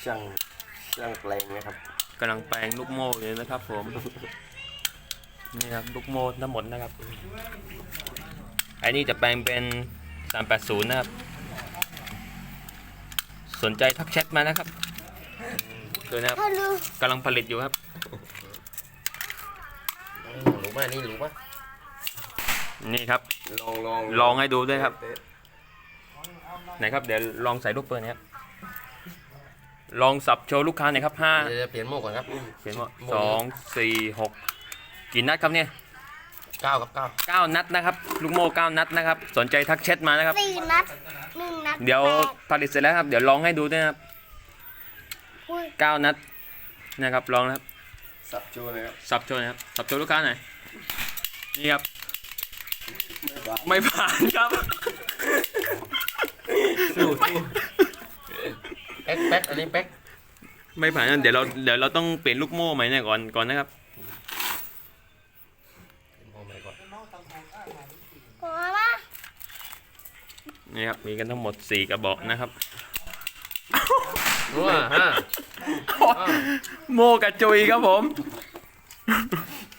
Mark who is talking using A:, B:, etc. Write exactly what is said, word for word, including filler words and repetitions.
A: ช่างช่างแปลงนะครับ
B: กำลังแปลงลูกโม่อยู่นะครับผมนี่ครับลูกโม่ทั้งหมดนะครับไอ้นี่จะแปลงเป็นสามแปดศูนย์นะครับสนใจทักแชทมานะครับดูนะครับกำลังผลิตอยู่ครับ
A: รู้ป่ะนี่รู้ป่ะ
B: นี่ครับ
A: ลองลอง
B: ลองให้ดูด้วยครับไหนครับเดี๋ยวลองใส่ลูกปืนนะครับลองสับโชว์ลูกค้าหน่อยครับห้า
A: เดี๋ยวเปลี่ยนโม่ก่อนครับ
B: เปลี่ยนโม่สองสี่หกกี่นัดครับเนี่ย
A: เก้ากับเก้า
B: เก้านัดนะครับลูกโม่เก้านัดนะครับสนใจทักแชทมานะครับ
C: สี่นัดหนึ่งนัด
B: เดี๋ยวผลิตเสร็จแล้วครับเดี๋ยวลองให้ดูด้วยนะครับเก้านัดนะครับลองนะครับ
A: สับโชว์เลยครับ
B: สับโชว์นะครับสับโชว์ลูกค้าหน่อยนี่ครับไม่ผ่านครับ
A: สู้สู้เป๊กเป๊กอันนี้เป๊ก
B: ไม่ผ่านเดี๋ยวเราเดี๋ยวเราต้องเปลี่ยนลูกโม่ใหม่เนี่ยก่อนก่อนนะครับนี่ครับมีกันทั้งหมดสี่กระบอกนะครับ
A: ว้าฮะ
B: โม่กระจุยครับผม